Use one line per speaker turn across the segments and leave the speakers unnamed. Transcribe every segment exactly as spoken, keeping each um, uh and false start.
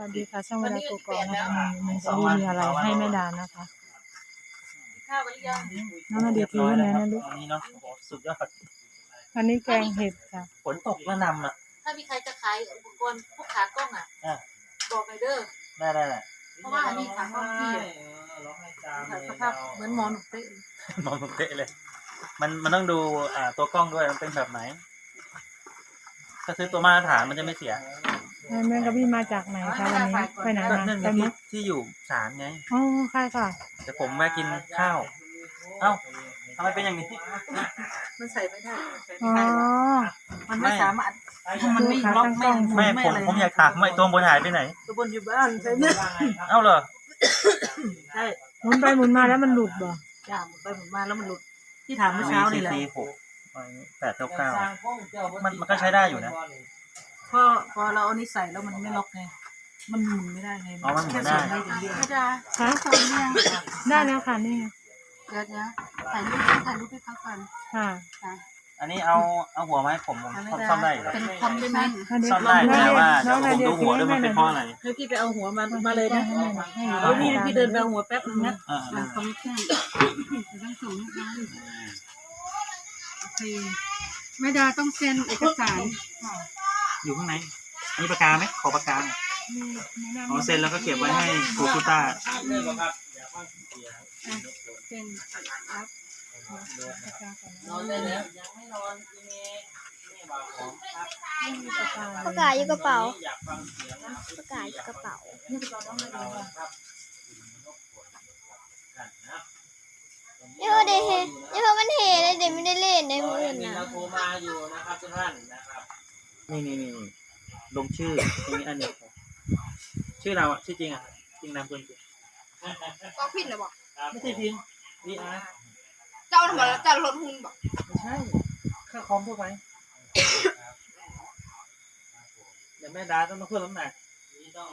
วัสดีค่ะช่องเวลาโกกอกนะคะมันจะมีอะไรให้แม่ดานะคะน้องนาเดียถือวันไหนนะลูก
วันนี้เนาะโอ้โหสุดยอด
วันนี้แกงเห็ดค่ะ
ฝนตกระหนำอ่ะ
ถ้ามีใครจะขายอุปกรณ์พวกขากล้องอ่ะ
อ่ะ
บอกหน่อยเด้อ
ได้ได้ได้
เพราะว่าอันนี้ขากล้องพี่สภาพเหมือนหมอนเป๊ะ
มองตรงเป๊ะเลย มันมันต้องดูอ่าตัวกล้องด้วยมันเป็นแบบไหน ถ้าซื้อตัวมาตรฐานมันจะไม่เสีย
แม่กระบี่มาจากไหนคะวันนี้ไปไหน
ก็
มา
นั่นไง
ไป
ที่
มุก
ที่อยู่ศาลไง
อ๋อใช่ค่ะ
แต่ผมแวะกินข้าว เอ้าทำไมเป็นอย่างนี้
มันใส่ไม่ได้ใส่
อ๋
ไม่
อ
ได้หรอกมันไม่สามารถมันไม่ล็อกแม่ง
แม่ผมผมอยากถามว่าไอ้ตัวบนหายไปไหน
ตัวบนอยู่บ้านใช่ไหม
เอ้าเหรอ
ใช่
หมุนไปหมุนมาแล้วมันหลุดบ่
จ้าหมุนไปหมุนมาแล้วมันหลุดที่ถามเมื่อเช้านี่แหละ
สี่หกแปดเก้าเก้ามันมันก็ใช้ได้อยู่นะ
พอพอเราเอานี่ใส่แล้วมันไม่ล็อกไงมันหมุนไม่ได้ไง
อ๋อมันหมุนได้
แค่ส่งอย่างเดียวไม่ได้
คะ
ส่งเนี่ย
ได้แล้วค่ะนี่ไง
เดี๋ยวนะถ่ายรูปถ่ายรูปให้เขาก่อน
ค่ะ
ค่ะ
อันนี้เอาเอาหัวมาให้ผมผมซ่อมได้อยู่แล้ว
เป็นคอมได้ไหม
ซ่อมได้แต่ว่าเดี๋ยวผมดูหัวด้วยมันเป็นเพราะอะไร
ให้พี่ไปเอาหัวมามาเลยนะ
ให้
เดี๋ยวพี่พี่เดินไปเอาหัวแป๊บนึงนะ
อ่า
อ่าคอมมิชชั่นต้องส่งให้เขาโอเคแม่ดาต้องเซ็นเอกสาร
อยู่ข้างในมีปากกาไหมขอปากกาหน่อยอ๋อเซ็นแล้วก็เก็บไว้ให้ครูคุต้า
เซ็นรับ
นอนได้แล้วยังไม่นอนอีเมลนี่บอกผมครับ
ประกาศอยู่กระเป๋า
อยากฟังเสียง
ประกาศอยู่กระเป๋า
นี่เป็นน้องนาเดีย
เดี๋ยวเดเฮเดี๋ยวมันเฮเลยเดี๋ยวไม่ได้เล่นในมืออื่น
มี
นะ
เราโทรมาอยู่นะครับทุกท่านนะครับนี่นี่นี่ลงชื่อตรงนี้อันนี้ชื่อเราอ่ะชื่อจริงอ่ะจริงนามสกุลจริง
ก็พินนะบอก
ไม่ใช่พิงดีอาร์
เจ้าทำไมเจ้ารถหุ่นบอก
ไม่ใช่ค่าคอมทั่วไปเดี๋ยวแม่ดาต้องมาเพิ่มน้ำหนักนี่ต้อง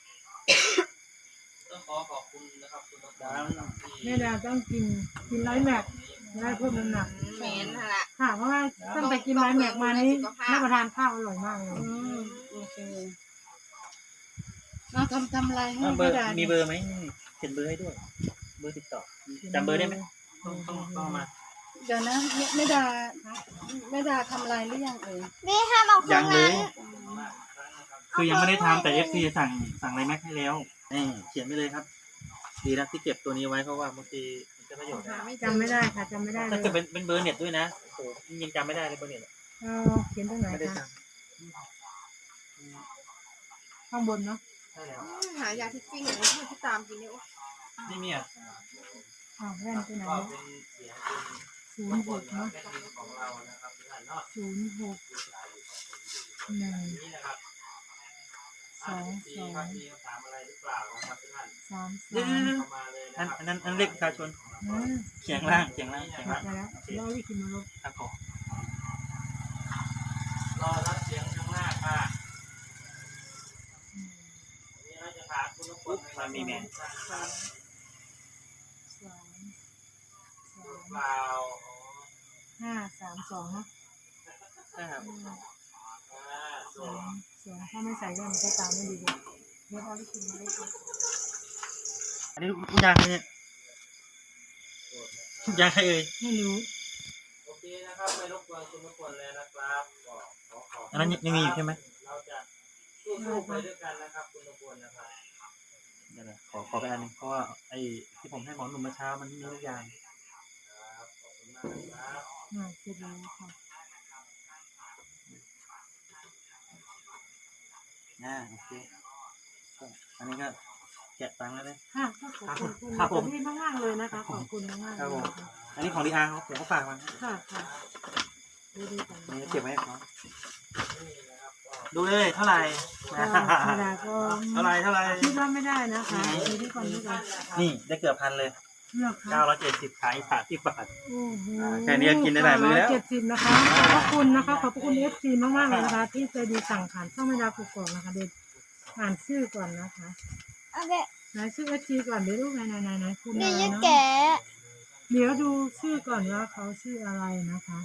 ต้องขอขอบคุณนะครับคุณดา
แม่ดาต้องกินกินไลท์แม็กได้เพิ่มน้ำหนัก
เมนนั่นแหละ
ค่ะเพราะว่าตั้งแต่กินไลท์แม็กมานี้รับประทานข้าวอร่อยมากเลย
อืมโอเคเราทำทำอะไรให้
เบอ
แม่
ร์
ดา
มีเบอร์ไหมเขียนเบอร์ให้ด้วย เบอร์ติดต่อจำเบอร์ได้ไหมต้องต้องต้องมา
เดี๋ยวนะแม่แม่ดาแม่ดาทำอะไรหรือยังเอ่ย
เบ้ห้ามเอาเครื่
ยั
อง ง
เล
นั้
ย
น
คือยังไม่ได้ทำแต่เอฟซีสั่งสั่งอะไรแม็กให้แล้วนี่เขียนไปเลยครับ ดีนะที่เก็บตัวนี้ไว้เพราะว่าบางทีมันจะประโยชน์นะ
จำไม่ได้ค่ะจำไม่ได้เล
ถ้าย เกิดเป็นเป็นเบอร์เน็ตด้วยนะโอ้โหยังจำไม่ได้เลยเบอร์เน็ต
เราเขียนตรงไหน
ไม่ได้
คะ
จ
ข้างบนเนาะ
ำใช่แล้ว
หายาที่ปิ้งอย่างนี้ที่ตามกินเนี่ย
นี่มีอ่ะ
อ้าวแว่นไปไหน
ก็
เนี่ย
เป็นเสียง
ศูนย์หกเนาะ
เป็นของเรานะครับทุกท่านเนาะ
ศูนย์หกหนึ่ง
นี่นะครับ
สองสอง
มีคำถามอะไรหรือเปล่านะครับทุกท่าน
สามส
เดี๋ยว
าม
เข้ามาเลยนะอันนั้นอันเลขประชาชน
อ่า
เขียงล่างเขียงล่างเขียง
ไป
ล่าง
แล้วเราวิคิดมาลบ
ครับผมรอรับเสียงข้างหน้าค่ะนี่เราจะถามคุณปุ๊บมามีแมน
สามสามสาม
เปล่า
ห้าสามสองเนาะ
ใช่ครับ
ห้า
อ่าส่
ส
ว
อน งสองถ้าไม่ใส่แว่นมันก็ตามไม่ดีเลยเดี๋ยวเราวิคิดมาลบ
อันนี้คุณยางใครเนี่ยคุณยางใครเอ่ย
ไม่รู้
โอเคนะครับไม่รบกวนคุณทุกคนเลยนะครับก็ขอขอบอันนั้นยังมีอยู่ใช่ไหมเราจะสู้ๆไปด้วยกันนะครับคุณทุกคนนะครับเดี๋ยวนะขอขอไปอันหนึงเพราะว่าไอ้ที่ผมให้หมอหนุ่มเมื่อเช้ามันมีทุกอย่างครับขอบคุณมากนะครับ
อ่าเสร็จแล้วค่ะ
อ่าโอเคก็อันนี้ก็แกะตังค์แล้วเลย
ค่ะก็ขอบคุณคุณ
ครับผม
พี่มากๆเลยนะคะขอบคุณมากๆ
ครับ
เล
ผม
ยนะคะ
อันนี้ของดีอาร์ผมก็ฝากมา
ค่ะค่ะดูดีจัง
อันนี้เก็บไว้ให้เขาดูเลยเท่าไหร่
ก็ธรรมดาก็
เท่าไหร่เท่าไหร่
คิดว่าไม่ได้นะคะดูที่ก่อนดูก่อน
นี่ได้เกือบพันเลย
เลือกค่ะ
เก้าร้อยเจ็ดสิบขายสามสิบบาท
โอ้โห
แค่นี้ก็กินได้หลายมื้อแล้ว
เจ็ดสิบนะคะขอบพระคุณนะคะขอบพระคุณเอฟซีมากๆเลยนะคะ ที่ใจดีสั่งผ่านช่องไม่ดากุกกอกนะคะเดี๋ยวอ่านชื่อก่อนนะคะ
โอเค
ไหนชื่อเอฟซีก่อนเดี๋ยวรูปไหนไหนไหนไหนคุณ
เดี๋
อะ
ยว
ไร
จะ
เนาะ
แกะ
เดี๋ยวดูชื่อก่อนว่าเขาชื่ออะไรนะคะ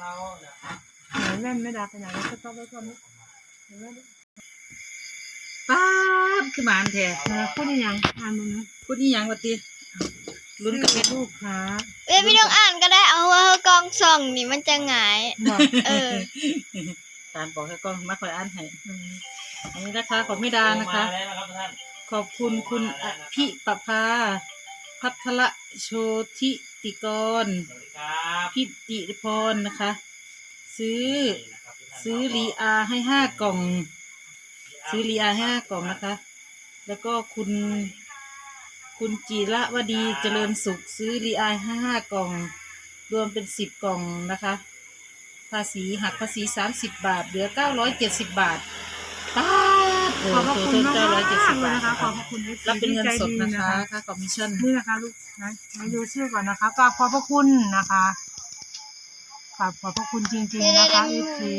ไหนแว่นไม่ดาไปไหนแล้วก็ต้องไว้ก่อนนะเดี๋ยวไว้ดิ
ไปขึ้นมาอันแท้
นะพูดอีหยังอ่านมึงนะ
พูดนี่ยังว่าติลุ้นกับเป็น
ลูกค้า
เอ้ยไม่ต้องอ่านก็ได้เอาว่าเขากองส่องนี่มันจะหงาย
บอก
เออ
การบอกให้กล้องมาคอยอ่านให้
อืม
อันนี้นะคะของไม่ดานะคะ
มาแล้วนะครับทุกท่าน
ขอบคุณคุณอภิปภาพัทรโชติติกร
สวัสดีครับ
พิติพรนะคะ ซื้อ
นี่นะครับทุกท่าน
ซื้อรีอาให้ห้ากล่อง ซื้อรีอาให้ห้ากล่องนะคะ แล้วก็คุณ คุณจิระวดีเจริญสุข ซื้อรีอาให้ห้ากล่อง รวมเป็นสิบกล่องนะคะ ภาษีหักภาษีสามสิบบาท เหลือเก้าร้อยเจ็ดสิบบาทป้าดโอ้
ขอบพระ
โห
คุณมาก
เก้าร้อยเจ็ดสิบ
เลย
บาท
นะคะ
นะ
ขอ
คะ
บพระคุณ เอฟซี
รับเป็นเงินสด
ที่ใจ
นะคะ
ดี
ค่าคอมมิชชั่น
นี่นะคะลูกนะมาดูชื่อก่อนนะคะกราบขอบพระคุณนะคะกราบขอบพระคุณจริงๆนะคะเอฟซี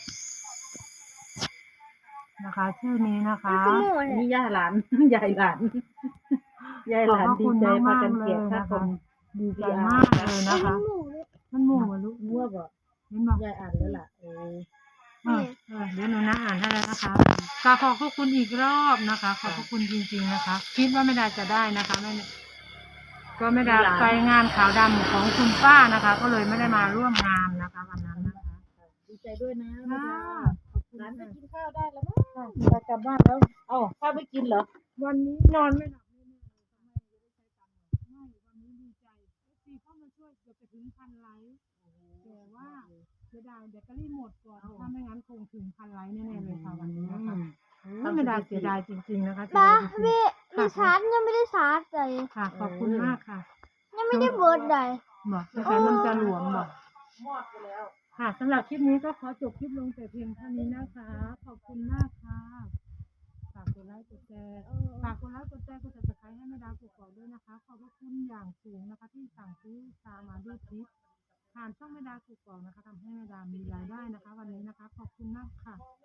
นะคะ ชื่อนี้นะคะ
อันนี้ย่าหลาน ยายหลาน ยายหลานดีใจพากันเกลียดค่าคอม
ดีใจมากเลยนะคะ มันหมู่มาลูก
มั่วบ่
เห็นบอก
ยายอ่านแล้วล่ะเออ
เออเออเดี๋ยวหนูนะอ่านให้แล้วนะคะกราบขอบพระคุณอีกรอบนะคะ ขอบพระคุณจริง ๆนะคะ คิดว่าไม่ได้จะได้นะคะไม่ก็ไม่ได้ไปงานขาวดำของคุณป้านะคะ ก็เลยไม่ได้มาร่วมงานนะคะวันนั้นนะคะ
ดีใจด้วยนะ
ค่ะ
ขอบคุณหลานไปกินข้าวได้แล้วมั้งจะกลับบ้านแล้วเอ้าข้าวไม่กินเหรอ
วันนี้นอนไม่หลับแน่ๆเลยทำไมจะได้ใช้ตังค์ไม่วันนี้ดีใจเอฟซีเข้ามาช่วยเกือบจะถึงพันไลค์แต่ว่าเสียดายแบตเตอรี่หมดก่อนถ้าไม่งั้นคงถึงพันไลค์แน่ๆเลยค่ะวันนี้นะคะโอ้ไม่ได้เสียดายจริงๆนะคะเสีย
บ้า
ดายจริง
พี่ดิชาร์จยังไม่ได้ชาร์จเลย
ๆค่ะขอบคุณมากค่ะ
ยังไม่ได้เบิร์ดเลย
บอกแต่แต่มันจะหลวมบอก
มอดไปแล้ว
ค่ะสำหรับคลิปนี้ก็ขอจบคลิปลงแต่เพียงเท่านี้นะคะ ขอบคุณมากค่ะฝากกดไลค์กดแชร์ฝากกดไลค์กดแชร์กดติดตามให้แม่ดาวกดด้วยนะคะ ขอบพระคุณอย่างสูงนะคะ ที่สั่งซื้อชามาด้วยคลิปผ่านช่องแม่ดาวกดนะคะทำให้แม่ดาวมีรายได้นะคะ วันนี้นะคะ ขอบคุณมากค่ะ